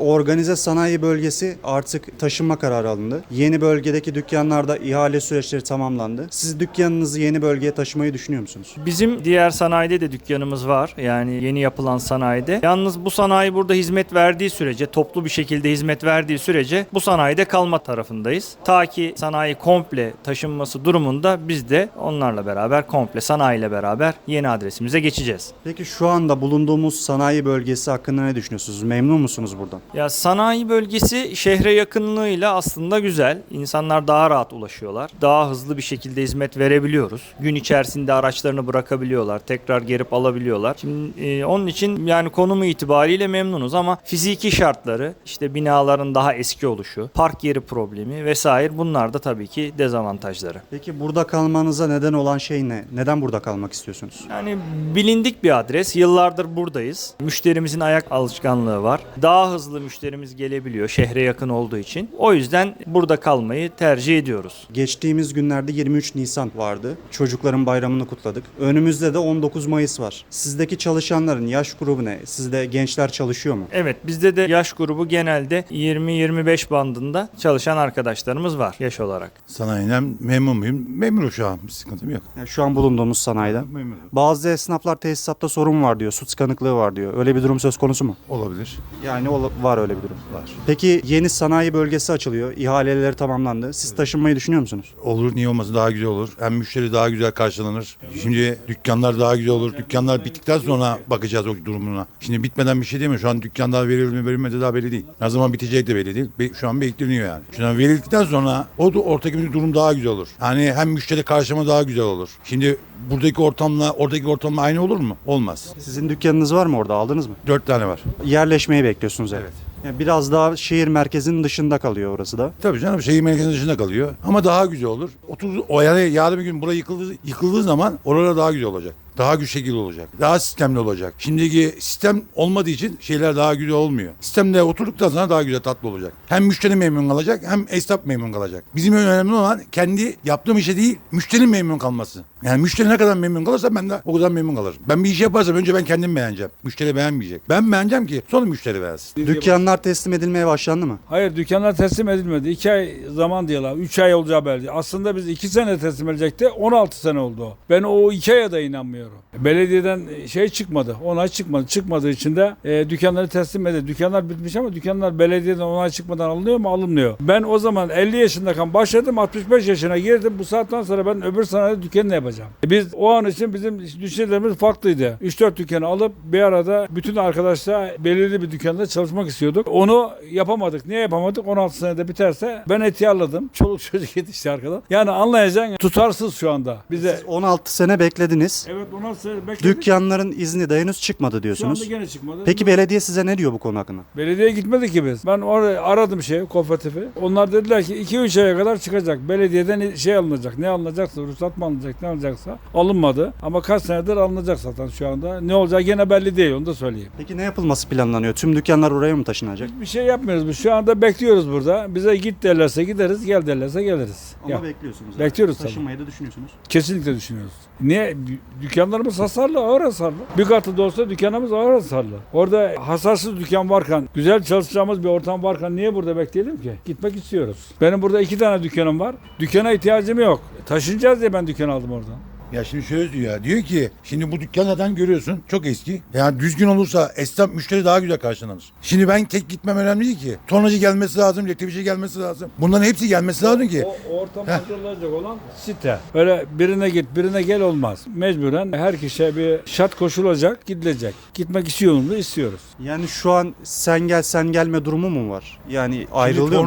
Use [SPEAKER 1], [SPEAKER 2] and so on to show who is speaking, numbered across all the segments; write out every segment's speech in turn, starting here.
[SPEAKER 1] organize sanayi bölgesi artık taşınma kararı alındı. Yeni bölgedeki dükkanlarda ihale süreçleri tamamlandı. Siz dükkanınızı yeni bölgeye taşımayı düşünüyor musunuz?
[SPEAKER 2] Bizim diğer sanayide de dükkanımız var. Yani yeni yapılan sanayide. Yalnız bu sanayi burada hizmet verdiği sürece, toplu bir şekilde hizmet verdiği sürece bu sanayide kalma tarafındayız. Ta ki sanayi komple taşınması durumunda biz de onlarla beraber komple sanayiyle beraber yeni adresimize geçeceğiz.
[SPEAKER 1] Peki şu anda bulunduğumuz sanayi bölgesi hakkında ne düşünüyorsunuz? Memnun musunuz buradan?
[SPEAKER 2] Ya sanayi bölgesi şehre yakınlığıyla aslında güzel. İnsanlar daha rahat ulaşıyorlar. Daha hızlı bir şekilde hizmet verebiliyoruz. Gün içerisinde araçlarını bırakabiliyorlar. Tekrar gelip alabiliyorlar. Şimdi onun için yani konumu itibariyle memnunuz ama fiziki şartları, işte binaların daha eski oluşu, park yeri problemi vesaire, bunlar da tabii ki dezavantajları.
[SPEAKER 1] Peki burada kalmanıza neden olan şey ne? Neden burada kalmak istiyorsunuz?
[SPEAKER 2] Yani bilindik bir adres. Yıllardır buradayız. Müşterimizin ayak alışkanlığı var. Daha hızlı müşterimiz gelebiliyor şehre yakın olduğu için. O yüzden burada kalmayı tercih ediyoruz.
[SPEAKER 1] Geçtiğimiz günlerde 23 Nisan vardı. Çocukların bayramını kutladık. Önümüzde de 19 Mayıs var. Sizdeki çalışanların yaş grubu ne? Sizde gençler çalışıyor mu?
[SPEAKER 2] Evet, bizde de yaş grubu genelde 20-25 bandında çalışan arkadaşlarımız var yaş olarak.
[SPEAKER 3] Sanayiden memnun muyum? Memnunum şu an. Bir sıkıntım yok.
[SPEAKER 1] Yani şu an bulunduğumuz sanayide.
[SPEAKER 3] Memnunum.
[SPEAKER 1] Bazı esnaflar tesisatta sorun var diyor. Su tıkanıklığı var diyor. Öyle bir durum söz konusu mu?
[SPEAKER 3] Olabilir.
[SPEAKER 1] Yani var öyle bir durum.
[SPEAKER 3] Var.
[SPEAKER 1] Peki yeni sanayi bölgesi açılıyor. İhaleleri tamamlandı. Siz taşınmayı düşünüyor musunuz?
[SPEAKER 3] Olur, niye olmasın, daha güzel olur. Hem müşteri daha güzel karşılanır. Şimdi dükkanlar daha güzel olur. Dükkanlar bittikten sonra bakacağız o durumuna. Şimdi bitmeden bir şey değil mi? Şu an dükkanlar verildi mi verilmedi daha belli değil. Ne zaman bitecek de belli değil. Şu an bekleniyor yani. Şu an verildikten sonra o da ortadaki bir durum daha güzel olur. Yani hem müşteri karşılama daha güzel olur. Şimdi buradaki ortamla oradaki ortamla aynı olur mu? Olmaz.
[SPEAKER 1] Sizin dükkanınız var mı orada? Aldınız mı?
[SPEAKER 3] 4 tane var.
[SPEAKER 1] Yerleşmeyi bekliyorsunuz
[SPEAKER 3] Evet.
[SPEAKER 1] Yani biraz daha şehir merkezinin dışında kalıyor orası da.
[SPEAKER 3] Tabii canım, şehir merkezinin dışında kalıyor. Ama daha güzel olur. Yani yarın bir gün burası yıkıldığı zaman oralar daha güzel olacak. Daha güçlü şekilde olacak. Daha sistemli olacak. Şimdiki sistem olmadığı için şeyler daha güzel olmuyor. Sistemde oturduktan sonra daha güzel, tatlı olacak. Hem müşteri memnun kalacak hem esnaf memnun kalacak. Bizim önemli olan kendi yaptığım işe değil, müşterinin memnun kalması. Yani müşteri ne kadar memnun kalırsa ben de o kadar memnun kalırım. Ben bir iş yaparsam önce ben kendim beğeneceğim. Müşteri beğenmeyecek. Ben beğeneceğim ki sonra müşteri beğensin.
[SPEAKER 1] Dükkanlar teslim edilmeye başlandı mı?
[SPEAKER 4] Hayır, dükkanlar teslim edilmedi. 2 ay zaman diyorlar. 3 ay olacağı belli. Aslında biz 2 sene teslim edecekti. 16 sene oldu o. Ben o 2 aya da inanmıyorum. Belediyeden şey çıkmadı. Onay çıkmadı. Çıkmadığı için de dükkanları teslim edildi. Dükkanlar bitmiş ama dükkanlar belediyeden onay çıkmadan alınıyor mu? Alınmıyor. Ben o zaman 50 yaşındayken başladım. 65 yaşına girdim. Bu saatten sonra ben öbür sanayide dükkanı ne yapacağım? Biz o an için bizim düşüncelerimiz farklıydı. 3-4 dükkanı alıp bir arada bütün arkadaşlar belirli bir dükkanda çalışmak istiyorduk. Onu yapamadık. Niye yapamadık? 16 senede biterse ben ihtiyarladım. Çoluk çocuk yetişti arkadan. Yani anlayacaksın, tutarsız şu anda. Bize
[SPEAKER 1] 16 sene beklediniz.
[SPEAKER 4] evet 16 sene bekledik.
[SPEAKER 1] Dükkanların izni de henüz çıkmadı
[SPEAKER 4] Şu anda
[SPEAKER 1] diyorsunuz.
[SPEAKER 4] gene çıkmadı.
[SPEAKER 1] Peki belediye size ne diyor bu konu hakkında?
[SPEAKER 4] Belediyeye gitmedik ki biz. Ben oraya aradım kooperatifi. Onlar dediler ki 2-3 aya kadar çıkacak. Belediyeden şey alınacak. Ne alınacaksa, ruhsat mı alınacak, ne alınacaksa alınmadı. Ama kaç senedir alınacak zaten şu anda. Ne olacak gene belli değil, onu da söyleyeyim.
[SPEAKER 1] Peki ne yapılması planlanıyor? Tüm dükkanlar oraya mı taşınacak?
[SPEAKER 4] Bir şey yapmıyoruz biz. Şu anda bekliyoruz burada. Bize git derlerse gideriz, gel derlerse geliriz.
[SPEAKER 1] Ama
[SPEAKER 4] Ya,
[SPEAKER 1] bekliyorsunuz.
[SPEAKER 4] bekliyoruz tabii.
[SPEAKER 1] Taşınmayı da düşünüyorsunuz.
[SPEAKER 4] Kesinlikle düşünüyoruz. Niye? Dükkanlarımız hasarlı, ağır hasarlı. Bir katı da olsa dükkanımız ağır hasarlı. Orada hasarsız dükkan varken, güzel çalışacağımız bir ortam varken niye burada bekleyelim ki? Gitmek istiyoruz. Benim burada 2 tane dükkanım var. Dükkana ihtiyacım yok. Taşınacağız diye ben dükkan aldım oradan.
[SPEAKER 3] Ya şimdi şöyle diyor ya. Diyor ki şimdi bu dükkanlardan görüyorsun çok eski. Yani düzgün olursa esnaf müşteri daha güzel karşılanır. Şimdi ben tek gitmem önemli değil ki. Tonacı gelmesi lazım, elektrikçi gelmesi lazım. Bunların hepsi gelmesi lazım ki.
[SPEAKER 4] O ortam hazırlanacak olan site. Öyle birine git birine gel olmaz. Mecburen her kişiye bir şart koşulacak, gidilecek. Gitmek istiyoruz.
[SPEAKER 1] Yani şu an sen gel sen gelme durumu mu var? Yani
[SPEAKER 3] Şimdi
[SPEAKER 1] ayrılıyor mu?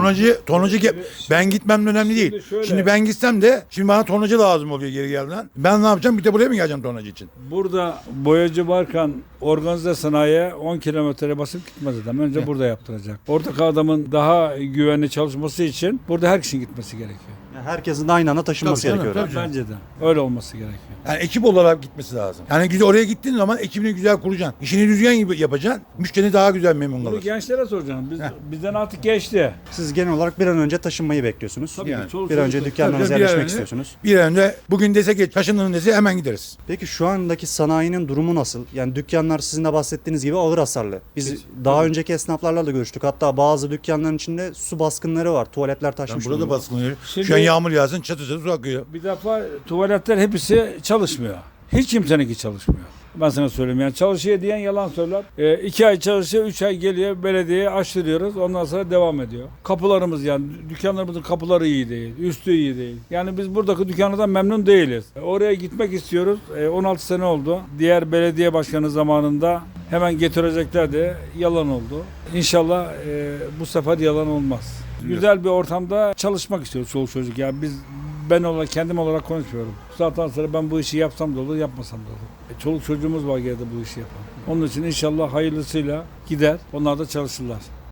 [SPEAKER 3] ben gitmem önemli değil.
[SPEAKER 4] şöyle-
[SPEAKER 3] Şimdi ben gitsem de şimdi bana tonacı lazım oluyor geri gelden. Ben ne yapacağım? Bir de buraya mı geleceğim tonacı için?
[SPEAKER 4] Burada boyacı varken organize sanayiye 10 kilometre basıp gitmez adam. Önce burada yaptıracak. Oradaki adamın daha güvenli çalışması için burada her kişinin gitmesi gerekiyor.
[SPEAKER 1] Yani herkesin de aynı anda taşınması
[SPEAKER 3] Tabii canım,
[SPEAKER 1] gerekiyor.
[SPEAKER 3] tabii.
[SPEAKER 4] Bence de. Öyle olması gerekiyor.
[SPEAKER 3] Yani ekip olarak gitmesi lazım. Yani güzel oraya gittiğin zaman ekibini güzel kuracaksın. İşini düzgün gibi yapacaksın. Müşteri daha güzel memnun
[SPEAKER 4] Bunu
[SPEAKER 3] kalır.
[SPEAKER 4] gençlere soracağım. Bizden artık geçti.
[SPEAKER 1] Siz genel olarak bir an önce taşınmayı bekliyorsunuz.
[SPEAKER 4] Tabii
[SPEAKER 3] Yani.
[SPEAKER 4] ki, çoluk
[SPEAKER 1] Bir an önce
[SPEAKER 4] çocuk-
[SPEAKER 1] dükkanlarınıza
[SPEAKER 3] Tabii, bir an
[SPEAKER 1] yerleşmek
[SPEAKER 3] önce-
[SPEAKER 1] istiyorsunuz.
[SPEAKER 3] Bir an önce bugün dese ki taşındığın dese hemen gideriz.
[SPEAKER 1] Peki şu andaki sanayinin durumu nasıl? Yani dükkanlar sizin de bahsettiğiniz gibi ağır hasarlı. Biz daha önceki esnaflarla da görüştük. Hatta bazı dükkanların içinde su baskınları var. Tuvaletler
[SPEAKER 3] Yani
[SPEAKER 1] taşmış.
[SPEAKER 3] burada
[SPEAKER 1] durumda.
[SPEAKER 3] baskınlıyor.
[SPEAKER 4] Şimdi-
[SPEAKER 3] Şu an yağmur yağsın çatı çatı su akıyor.
[SPEAKER 4] Bir defa tuvaletler hepsi çalışmıyor. Hiç kimseninki çalışmıyor. Ben sana söyleyeyim yani çalışıyor diyen yalan söyler. 2 ay çalışıyor, 3 ay geliyor belediyeye açtırıyoruz. Ondan sonra devam ediyor. Kapılarımız yani dükkanlarımızın kapıları iyi değil, üstü iyi değil. Yani biz buradaki dükkanlardan memnun değiliz. Oraya gitmek istiyoruz. 16 sene oldu. Diğer belediye başkanı zamanında hemen getireceklerdi. Yalan oldu. İnşallah bu sefer yalan olmaz. Güzel bir ortamda çalışmak istiyoruz çoluk çocuk. Yani ben olarak kendim olarak konuşmuyorum. Zaten sonra ben bu işi yapsam da olur, yapmasam da olur. Çoluk çocuğumuz var geride bu işi yapan. Onun için inşallah hayırlısıyla gider. Onlar da çalışırlar.